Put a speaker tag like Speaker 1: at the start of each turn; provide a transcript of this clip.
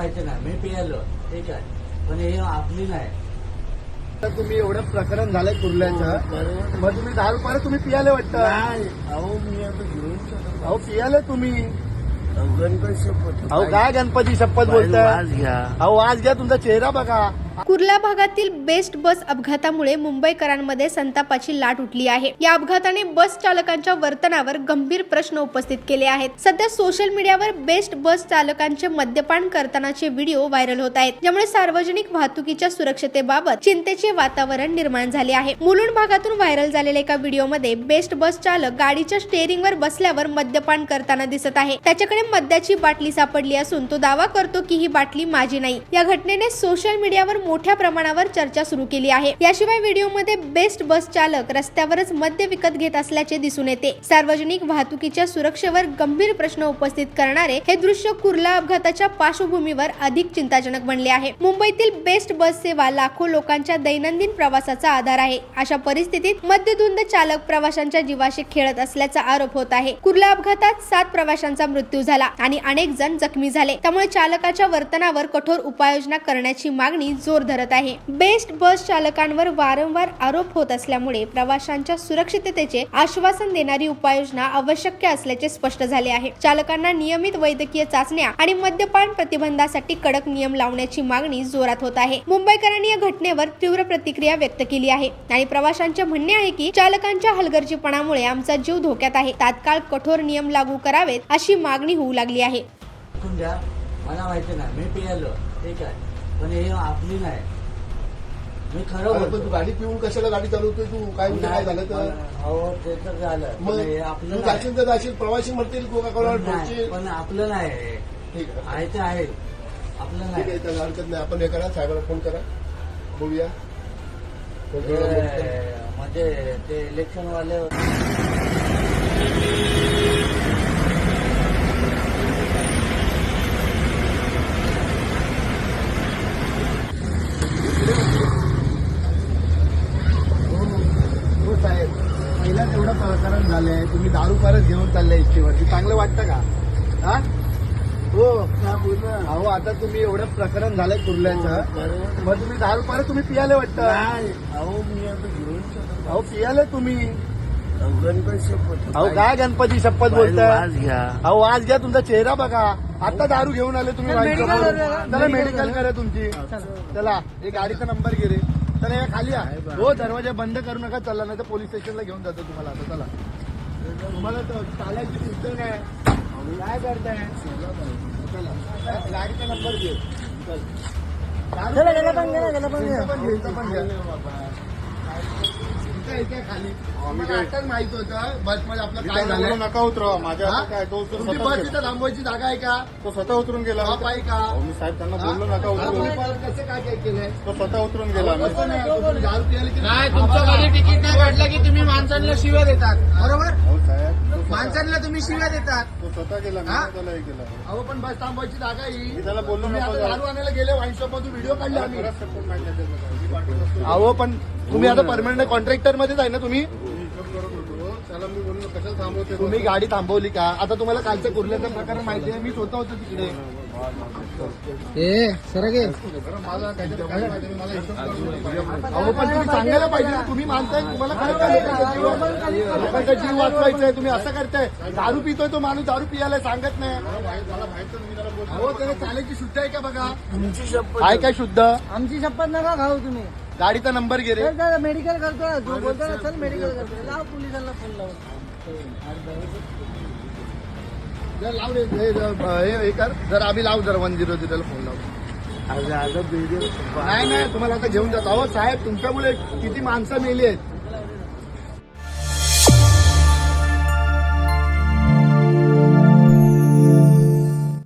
Speaker 1: माहिती नाही, मी पियालो ठीक आहे, पण हे आपली नाही.
Speaker 2: तर तुम्ही एवढं प्रकरण झालंय कुर्ल्याचं, मग तुम्ही 10 रुपये तुम्ही पियाले वाटतं.
Speaker 1: अहो मी आता घेऊन शकतो.
Speaker 2: अहो पियाले तुम्ही.
Speaker 1: गणपती शपथ.
Speaker 2: अहो काय गणपती शपथ बोलताय.
Speaker 1: आज घ्या.
Speaker 3: अहो आज घ्या, तुमचा चेहरा बघा.
Speaker 4: कुर्ला भागातील बेस्ट बस अपघातामुळे मुंबईकरांमध्ये संतापाची लाट उठली आहे. या अपघाताने बस चालकांच्या वर्तनावर गंभीर प्रश्न उपस्थित केले आहेत. सध्या सोशल मीडियावर बेस्ट बस चालकांचे मद्यपान करतानाचे व्हिडिओ व्हायरल होत आहेत, ज्यामुळे सार्वजनिक वाहतुकीच्या सुरक्षतेबाबत चिंतेचे वातावरण निर्माण झाले आहे. मुलुंड भागातून व्हायरल झालेल्या एका व्हिडिओमध्ये बेस्ट बस चालक गाडीच्या स्टेअरिंगवर बसल्यावर मद्यपान करताना दिसत आहे. त्याच्याकडे मद्याची बाटली सापडली असून तो दावा करतो की ही बाटली माझी नाही. या घटनेने सोशल मीडियावर मोठ्या प्रमाणावर चर्चा सुरू केली आहे. याशिवाय व्हिडिओमध्ये बेस्ट बस चालक रस्त्यावरच मद्य विकत घेत असल्याचे दिसून येते. सार्वजनिक वाहतुकीच्या सुरक्षेवर गंभीर प्रश्न उपस्थित करणारे हे दृश्य कुर्ला अपघाताच्या पार्श्वभूमीवर अधिक चिंताजनक बनले आहे. मुंबईतील बेस्ट बस सेवा लाखो लोकांच्या दैनंदिन प्रवासाचा आधार आहे. अशा परिस्थितीत मद्यधुंद चालक प्रवाशांच्या जीवाशी खेळत असल्याचा आरोप होत आहे. कुर्ला अपघातात 7 प्रवाशांचा मृत्यू झाला आणि अनेक जण जखमी झाले. त्यामुळे चालकाच्या वर्तनावर कठोर उपाययोजना करण्याची मागणी जोर धरत आहे. बेस्ट बस चालकांवर वारंवार आरोप होत असल्यामुळे प्रवाशांच्या सुरक्षिततेचे आश्वासन देणारी उपाययोजना आवश्यक असल्याचे स्पष्ट झाले आहे. चालकांना नियमित वैद्यकीय चाचण्या आणि मद्यपान प्रतिबंधासाठी कडक नियम लावण्याची मागणी जोरात होत आहे. मुंबईकरांनी या घटनेवर तीव्र प्रतिक्रिया व्यक्त केली आहे आणि प्रवाशांचे म्हणणे आहे की चालकांच्या हलगर्जीपणामुळे आमचा जीव धोक्यात आहे. तात्काळ कठोर नियम लागू करावेत अशी मागणी होऊ लागली आहे.
Speaker 1: मला माहिती नाही, मी पियालो ठीक आहे, पण हे आपली नाही. मी खरं बोलतो.
Speaker 2: तू गाडी पिऊन कशाला गाडी चालवतोय तू. काय काय झालं तर.
Speaker 1: हो ते तर झालं,
Speaker 2: मग
Speaker 1: हे आपलं
Speaker 2: तू
Speaker 1: नाही.
Speaker 2: जाशील तर जाशील, प्रवासी म्हणतील कोका-कोला ठोकशील.
Speaker 1: पण आपलं नाही.
Speaker 2: ठीक
Speaker 1: आहे ते आहे, आपलं
Speaker 2: ठीक
Speaker 1: नाही.
Speaker 2: आहे, त्याला हरकत नाही. आपण हे करा, साहेबांना फोन करा, बघूया.
Speaker 1: म्हणजे ते इलेक्शन वाले
Speaker 2: साहेब, पहिलाच एवढं प्रकरण झालंय, तुम्ही दारू परत घेऊन चाललाय इच्छेवरती, चांगलं वाटतं का. हा हो अहो, आता तुम्ही एवढं प्रकरण झालंय कुर्ल्याचं, मग तुम्ही 10 रुपये तुम्ही पियाले वाटतं.
Speaker 1: अहो मी आता घेऊन शकतो.
Speaker 2: अहो पियाले तुम्ही.
Speaker 1: गणपती शपथ.
Speaker 3: अहो काय गणपती शपथ बोलताय.
Speaker 1: आज घ्या.
Speaker 3: अहो आज घ्या, तुमचा चेहरा बघा. आता दारू घेऊन आले तुम्ही. चला मेडिकल करा तुमची. चला एक गाडीचा नंबर घे रे. चला या खाली या. हो दरवाजा बंद करू नका. चला नाही तर पोलीस स्टेशनला घेऊन जातो तुम्हाला. आता चला, तुम्हाला तर चालायची सुद्धा नाही. काय करताय. चला गाडीचा नंबर घे. खाली आताच माहित होतं बसमध्ये आपलं काय झालं. नका उतरवा माझ्या. काय तो
Speaker 2: तुमची बस तिथं थांबवायची जागा आहे का.
Speaker 3: तो स्वतः उतरून गेला.
Speaker 2: बाप आहे का.
Speaker 3: मी साहेब त्यांना बोललो नका उतरून.
Speaker 2: कसं काय काय केलंय.
Speaker 3: तो स्वतः उतरून गेला.
Speaker 2: कसं नाही, तुम्ही दारू पियाली की
Speaker 5: नाही, तुमचं कधी तिकीट नाही काढलं की तुम्ही माणसांना शिव्या देतात. बरोबर,
Speaker 3: हो साहेब,
Speaker 5: माणसांना तुम्ही शिव्या देतात.
Speaker 3: तो स्वतः गेला. मी त्याला हे केलं.
Speaker 2: अहो पण बस थांबवायची जागा
Speaker 3: मी
Speaker 2: ही.
Speaker 3: त्याला बोललो
Speaker 2: तुम्ही
Speaker 3: नको
Speaker 2: आता
Speaker 3: जाऊ.
Speaker 2: दारू आणायला गेले वाईन शॉप मधून व्हिडिओ काढले आम्ही.
Speaker 3: बराच सपोर्ट माहिती आहे त्याचा. मी पाठवतो.
Speaker 2: अहो पण तुम्ही आता परमनंट कॉन्ट्रॅक्टर मध्येच आहे ना तुम्ही.
Speaker 3: मी हिशोब करत होतो. त्याला मी बोललो कशाला थांबवते.
Speaker 2: तुम्ही गाडी थांबवली का. आता तुम्हाला कालचं कुर्ल्याचं प्रकरण माहिती आहे. मी स्वतः होतो तिकडे.
Speaker 3: मला काहीतरी काय माहिती नाही. मला हिशोब करून होतो.
Speaker 2: अहो पण तुम्ही सांगायला पाहिजे ना. तुम्ही मानताय, तुम्हाला काय करायचं. लोकांचा जीव वाचवायचा आहे, तुम्ही असं करताय. दारू पितोय तो माणूस, दारू पियाला सांगत नाही.
Speaker 3: मला माहित मी त्याला बोलतो.
Speaker 2: अहो त्याला चालायची शुद्ध आहे का बघा.
Speaker 1: तुमची शपथ.
Speaker 2: आहे काय शुद्ध.
Speaker 5: आमची शपथ नका खाऊ तुम्ही.
Speaker 2: गाडीचा नंबर घे रे.
Speaker 5: मेडिकल करतो. जो बोलतो ना चल मेडिकल करतो. लाव पोलिसांना फोन लावून.
Speaker 2: जर लाव रे हे कर. जर आम्ही लाव जर 100 ला फोन लाव.
Speaker 1: आज व्हिडिओ
Speaker 2: नाही तुम्हाला आता घेऊन जातो. अहो साहेब तुमच्यामुळे किती माणसं मेली आहेत.